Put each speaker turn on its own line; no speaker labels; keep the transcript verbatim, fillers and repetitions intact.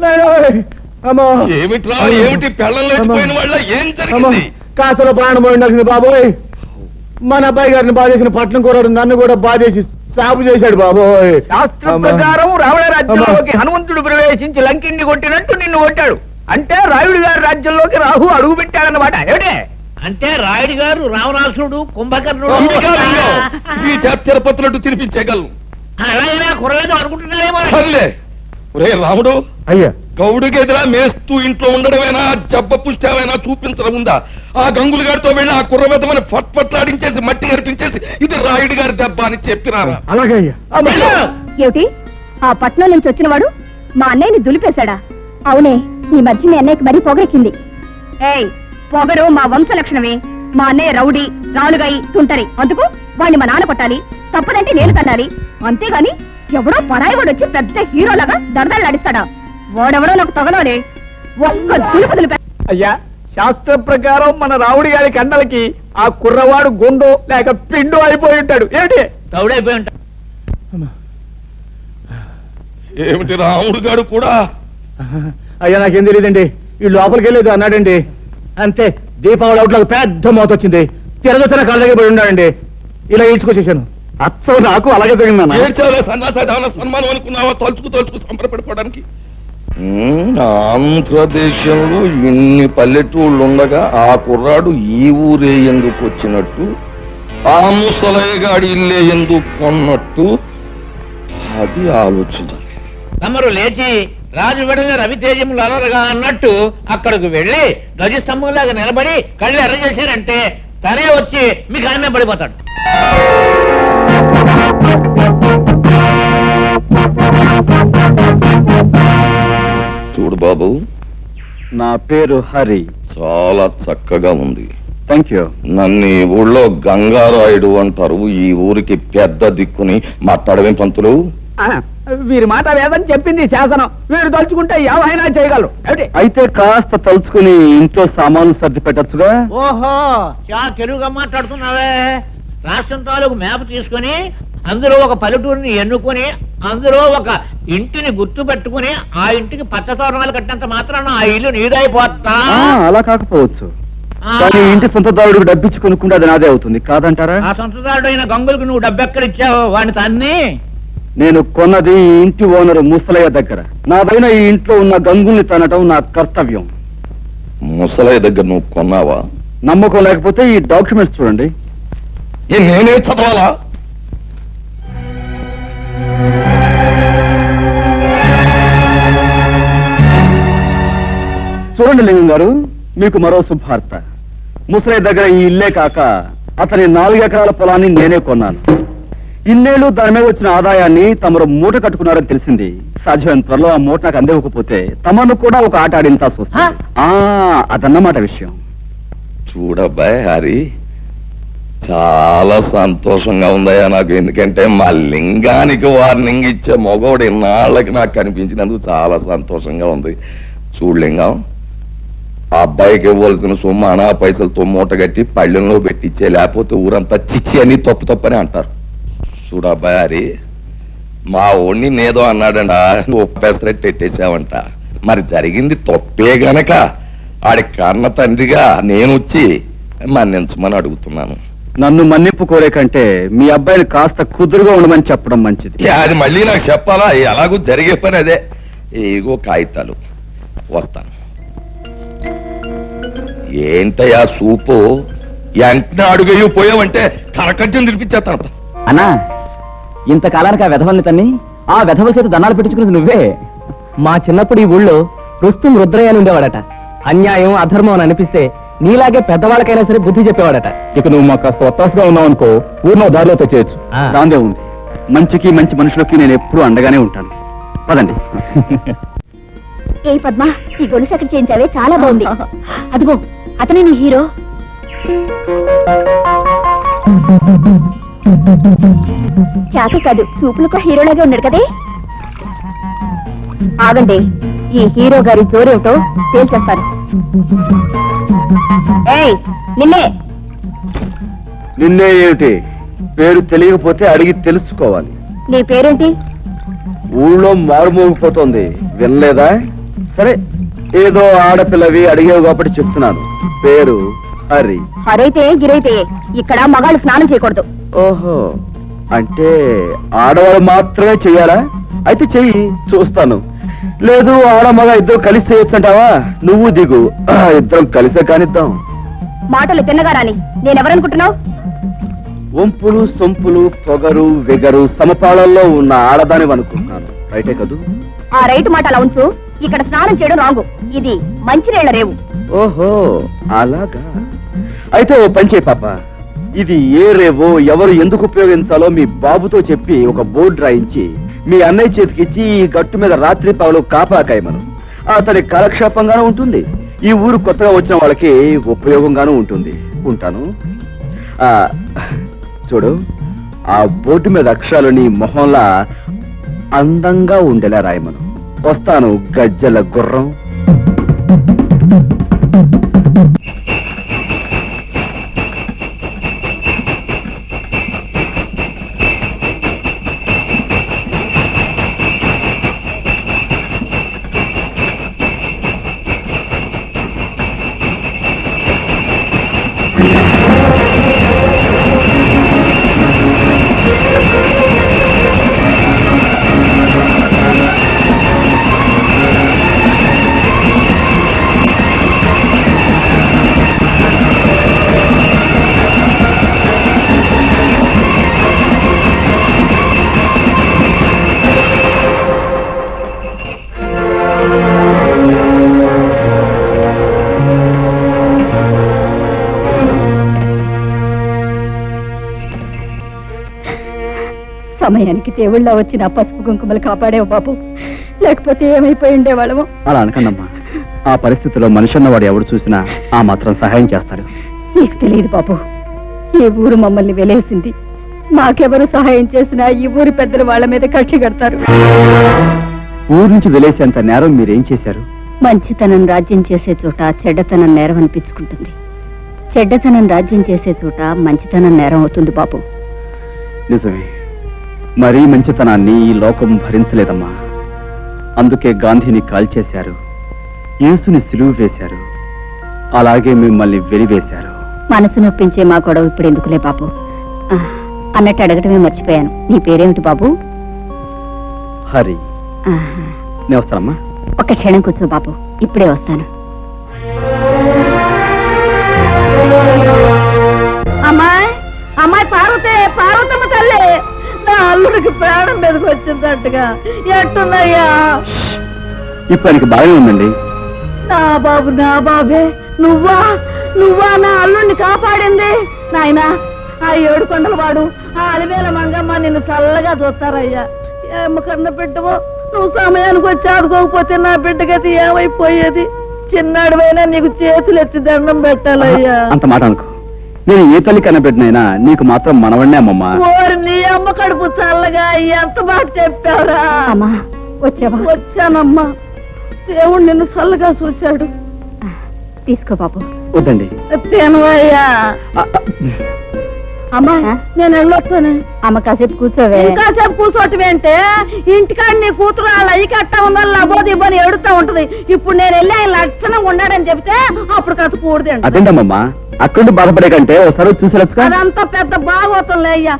ఏమిట్రా ఏమిటి పెళ్ళం లేచిపోయిన వాళ్ళ ఏం జరిగింది?
కాసలో ప్రాణం పోయిండాల్సింది బాబోయ్. మన అబ్బాయి గారిని బాధేసిన పట్నం కూరడు నన్ను కూడా బాధేసి సాగు చేశాడు బాబోయ్.
శాస్త్రం ప్రకారం రావణ రాజ్యంలోకి హనుమంతుడు ప్రవేశించి లంకిని కొట్టినట్టు నిన్ను కొట్టాడు. అంటే రాయుడు గారి రాజ్యంలోకి రాహు అడుగు పెట్టాడన్నమాట. ఏమిటే
అంటే రాయుడు గారు రావణాసుడు కుంభకర్ణుడు
ఈ తిరుపతులట్టు తినిపించేయగలను.
అలాగైనా కురలేదు అనుకుంటున్నారేమో.
రే రాముడు,
అయ్యా
గౌడుకి ఎదురా మేస్తూ ఇంట్లో ఉండడమేనా జబ్బ పుష్టామైనా చూపించడం ఉందా? ఆ గంగులు గారితో వెళ్ళి ఆ కుర్రబెద్దమని పట్పట్లాడించేసి మట్టి కనిపించేసి ఇది రాయుడు గారి దెబ్బ అని చెప్పినారా?
అలాగే అయ్యా.
ఏమిటి ఆ పట్నం నుంచి వచ్చిన వాడు మా అన్నయ్యని దులిపేశాడా? అవునే, ఈ మధ్య మీ అన్నయ్యకి మరీ పొగరెక్కింది. ఏయ్, పొగరు మా వంశ లక్షణమే. మా అన్నయ్య రౌడీ, రాలుగాయి, తుంటరి. అందుకు వాడిని మా నాన్న కొట్టాలి, తప్పదంటే నేను తన్నాలి. అంతేగాని ఎవడో పరాయి వాడు వచ్చి పెద్ద హీరోలాగా దరదలు నడిస్తాడా? వాడెవడో నాకు తగలోనే ఒక్క దులుపు దులిపే.
అయ్యా, శాస్త్ర ప్రకారం మన రావుడి గారి కండలకి ఆ కుర్రవాడు గుండు లేక పిండు అయిపోయి ఉంటాడు. ఏమిటి
తౌడైపోయి ఉంటాడు.
ఏమిటి రాముడు గారు కూడా?
అయ్యా నాకేం తెలియదండి. ఈ లోపలికి వెళ్ళేది అన్నాడండి. అంతే, దీపావళి అవుట్లోకి పెద్ద మోత వచ్చింది. తిరగొచ్చిన కళ్ళ దగ్గర పడి ఉన్నాడండి. ఇలా ఈడ్చుకొచ్చేసాను. అచ్చం నాకు అలాగే తగిందన్నా.
సన్మానం అనుకున్నావా? తలుచుకు తలుచుకు సంబరపడిపోవడానికి. ఆంధ్రదేశంలో ఇన్ని పల్లెటూళ్ళు ఉండగా ఆ కుర్రాడు ఈ ఊరే ఎందుకు వచ్చినట్టు, ఆ ముసలయ్యగాడి ఇల్లే ఎందుకు కొన్నట్టు, అది ఆలోచించాలి.
తమరు లేచి రాజు వెడల రవితేజములు అలరగా అన్నట్టు అక్కడికి వెళ్లి ధ్వజస్తంభంలాగా నిలబడి కళ్ళు ఎర్ర చేశారంటే తనే వచ్చి మీకు ఆమె పడిపోతాడు.
చూడు బాబు,
నా పేరు హరి.
చాలా చక్కగా ఉంది.
Thank you.
నన్ను ఈ ఊళ్ళో గంగారాయుడు అంటారు. ఈ ఊరికి పెద్ద దిక్కుని మాట్లాడవేం పంతులు?
వీరి మాట వేదని చెప్పింది శాసనం. వీరు తలుచుకుంటే ఏమైనా చేయగలరు.
అయితే కాస్త తలుచుకుని ఇంట్లో సామాన్లు సర్ది పెట్టచ్చుగా.
ఓహో, చాలా తెలుగుగా మాట్లాడుతున్నావే. రాష్ట్రం తాలూకు మ్యాప్ తీసుకుని అందులో ఒక పల్లెటూరిని ఎన్నుకొని అందులో ఒక ఇంటిని గుర్తు పెట్టుకుని ఆ ఇంటికి పచ్చ తోరణాలు కట్టినంత మాత్రాన ఆ ఇల్లు నీదైపోతా.
అలా కాకపోవచ్చు, కానీ ఇంటి సొంతదారుడికి డబ్బిచ్చి కొనుక్కుంటే అది నాదే అవుతుంది కాదంటారా?
ఆ సొంతదారుడు అయిన గంగులకు నువ్వు డబ్బెక్కడిచ్చావు వాడిని తన్ని?
నేను కొన్నది ఈ ఇంటి ఓనరు ముసలయ్య దగ్గర. నాదైన ఈ ఇంట్లో ఉన్న గంగుల్ని తనటం నా కర్తవ్యం.
ముసలయ్య దగ్గర నువ్వు కొన్నావా?
నమ్మకం లేకపోతే ఈ డాక్యుమెంట్స్ చూడండి.
నేనే చదవాలా?
చూడండి లింగం గారు, మీకు మరో శుభార్త. ముసలయ్య దగ్గర ఈ ఇల్లే కాక అతని నాలుగు ఎకరాల పొలాన్ని నేనే కొన్నాను. ఇన్నేళ్లు దాని మీద వచ్చిన ఆదాయాన్ని తమరు మూట కట్టుకున్నారని తెలిసింది. సాధ్యమైన త్వరలో ఆ మూట నాకు అందివ్వకపోతే తమను కూడా ఒక ఆట ఆడింతాల్సి వస్తుంది. అదన్నమాట విషయం.
చూడబ్బాయ్ హరి, చాలా సంతోషంగా ఉందయ్యా నాకు. ఎందుకంటే మా లింగానికి వార్నింగ్ ఇచ్చే మగవాడు ఇన్నాళ్ళకి నాకు కనిపించినందుకు చాలా సంతోషంగా ఉంది. చూడు లింగం, ఆ అబ్బాయికి ఇవ్వాల్సిన సొమ్ము అనా పైసలతో మూట కట్టి పళ్ళెంలో పెట్టించే, లేకపోతే ఊరంతా చిచ్చి అని తప్పు తప్పని అంటారు. చూడు అబ్బాయి హరి, మా ఓణ్ణి నేదో అన్నాడంట, నువ్వు పెసరెట్టు ఎట్టేసావంట. మరి జరిగింది తప్పే గనక ఆడి కన్న తండ్రిగా నేను వచ్చి మన్నించమని అడుగుతున్నాను.
నన్ను మన్నింపు కోరే కంటే మీ అబ్బాయిని కాస్త కుదురుగా ఉండమని చెప్పడం మంచిది.
అది మళ్ళీ నాకు చెప్పాలా? ఎలాగూ జరిగే పని అదే. ఏగో కాగితాలు, వస్తాను. ఏంటయ్యా సూపు, వెంటనే అడుగయ్యూ పోయావంటే కరకజ్జం తినిపించేస్తాను.
అన్నా, ఇంతకాలానికి ఆ వెధవల్ని తన్ని ఆ వెధవల చేత దన్నాలు పెట్టించుకున్నది నువ్వే. మా చిన్నప్పుడు ఈ ఊళ్ళో రుస్తుం రుద్రయ్య అని ఉండేవాడట. అన్యాయం అధర్మం అని అనిపిస్తే నీలాగే పెద్దవాళ్ళకైనా సరే బుద్ధి చెప్పేవాడట.
ఇక నువ్వు మాకు కాస్త ఒత్తాసుగా ఉన్నావు అనుకో, ఊరిలో దారిలో తెచ్చేయచ్చు. దాందే ఉంది. మంచికి మంచి మనుషులకి నేను ఎప్పుడూ అండగానే ఉంటాను. పదండి.
ఏ పద్మ, ఈ గొలుసు ఎక్కడ చేయించావే? చాలా బాగుంది. అదిగో అతనే నీ హీరో. చాక కాదు, చూపులకు హీరోలాగే ఉన్నాడు కదే. ఆగండి, ఈ హీరో గారి జోరేమిటో తేల్చేస్తాను. ఏయ్, నిన్నే.
నిన్నే ఏమిటి? పేరు తెలియకపోతే అడిగి తెలుసుకోవాలి.
నీ పేరేంటి?
ఊళ్ళో మారుమోగిపోతోంది, వినలేదా? సరే ఏదో ఆడపిల్లవి అడిగేవి కాబట్టి చెప్తున్నాను. పేరు హరి.
హరైతే గిరైతే ఇక్కడ మగాళ్ళు స్నానం చేయకూడదు.
ఓహో, అంటే ఆడవాళ్ళు మాత్రమే చెయ్యాలా? అయితే చెయ్యి, చూస్తాను. లేదు ఆడ మగ ఇద్దరు కలిసి చేయొచ్చు అంటావా? నువ్వు దిగు, ఆ, ఇద్దరం కలిసే కానిద్దాం.
మాటలు తిన్నగా రాని. నేనెవరనుకుంటున్నావు?
వంపులు సొంపులు పొగరు వెగరు సమపాళల్లో ఉన్న ఆడదాని అనుకుంటున్నాను. రైటే కదూ?
ఆ రైట్ మాట అలా ఉంచు. ఇక్కడ స్నానం చేయడం రాంగు. ఇది మంచినీళ్ల రేవు.
ఓహో, అలాగా. అయితే ఓ పని చేయి పాప, ఇది ఏ రేవో ఎవరు ఎందుకు ఉపయోగించాలో మీ బాబుతో చెప్పి ఒక బోర్డు రాయించి మీ అన్నయ్య చేతికిచ్చి ఈ గట్టు మీద రాత్రి పగలు కాపాకాయమను. అతని కాలక్షేపంగానూ ఉంటుంది, ఈ ఊరు కొత్తగా వచ్చిన వాళ్ళకి ఉపయోగంగానూ ఉంటుంది. ఉంటాను. ఆ చూడు, ఆ బోర్డు మీద అక్షరాలు నీ మొహంలా అందంగా ఉండేలా రాయమను. వస్తాను గజ్జల గుర్రం.
సమయానికి దేవుళ్ళ వచ్చిన పసుపు కుంకుమలు కాపాడేవు బాబు, లేకపోతే ఏమైపోయి ఉండేవాళ్ళము.
అలా అనకండమ్మా, ఆ పరిస్థితిలో మనిషి అన్నవాడు ఎవడు చూసినా ఆ మాత్రం సహాయం చేస్తాడు.
నీకు తెలియదు బాబు, ఈ ఊరు మమ్మల్ని వెలేసింది. మాకెవరు సహాయం చేసినా ఈ ఊరి పెద్దలు వాళ్ళ మీద కక్షి కడతారు.
ఊరు నుంచి వెలేసేంత నేరం మీరేం చేశారు?
మంచితనం రాజ్యం చేసే చోట చెడ్డతనం నేరం అనిపించుకుంటుంది. చెడ్డతనం రాజ్యం చేసే చోట మంచితనం నేరం అవుతుంది బాబు.
నిజమే, మరీ మంచితనాన్ని ఈ లోకం భరించలేదమ్మా. అందుకే గాంధీని కాల్చేశారు, యేసుని సిలువు వేశారు, అలాగే మిమ్మల్ని వెలివేశారు.
మనసు నొప్పించే మా గొడవ ఇప్పుడు ఎందుకులే బాబు. ఆ, అన్నట్టు అడగటమే మర్చిపోయాను. నీ పేరేమిటి బాబు?
హరి.
ఆహా.
నేను వస్తానమ్మా.
ఒక్క క్షణం కూర్చో బాబు, ఇప్పుడే వస్తాను. అమ్మాయి అమ్మాయి పార్వతే, పార్వతమ్మ తల్లి, నా అల్లుడికి ప్రాణం మీదకి వచ్చిందట్టుగా. ఎట్టున్నాయ్యా?
ఇప్పుడు ఆయనకి బాగానే ఉందండి.
నా బాబు, నా బాబే, నువ్వా నువ్వా నా అల్లుడిని కాపాడింది? నాయనా, ఆ ఏడు కొండల వాడు, ఆ అలివేల మంగమ్మ నిన్ను చల్లగా చూస్తారయ్యా. ఏమ కన్న బిడ్డవో, నువ్వు సమయానికి వచ్చి ఆడుకోకపోతే నా బిడ్డగతి ఏమైపోయేది? చిన్నాడువైనా నీకు చేతులు ఎత్తి దండం పెట్టాలయ్యా.
అంత మాట అనుకో, నేను ఏ తల్లి కనబెట్టినైనా నీకు మాత్రం మనవడినే అమ్మమ్మా.
ఓరి నీ అమ్మ కడుపు చల్లగా ఎంత మాట చెప్పావురా. వచ్చావా? వచ్చానమ్మా. దేవుడు నిన్ను చల్లగా చూశాడు. తీసుకో బాబు.
వద్దండి.
తేనవయ్యా. అమ్మా, నేను వెళ్ళొస్తాను. అమ్మ కాసేపు కూర్చోవే. కాసేపు కూర్చోటం అంటే ఇంటికాడ నీ కూతురు అలా అయ్యి కట్టా ఉందని లబోది ఇవ్వని ఎడుతా ఉంటది. ఇప్పుడు నేను వెళ్ళి ఆయన లక్షణంగా ఉన్నాడని చెప్తే అప్పుడు కాస్త కూడదండి.
అదేంటమ్మమ్మా, అక్కడ బాధపడే కంటే ఒకసారి చూసేలచ్చుగా.
అదంతా పెద్ద బాగోతుందిలే అయ్యా.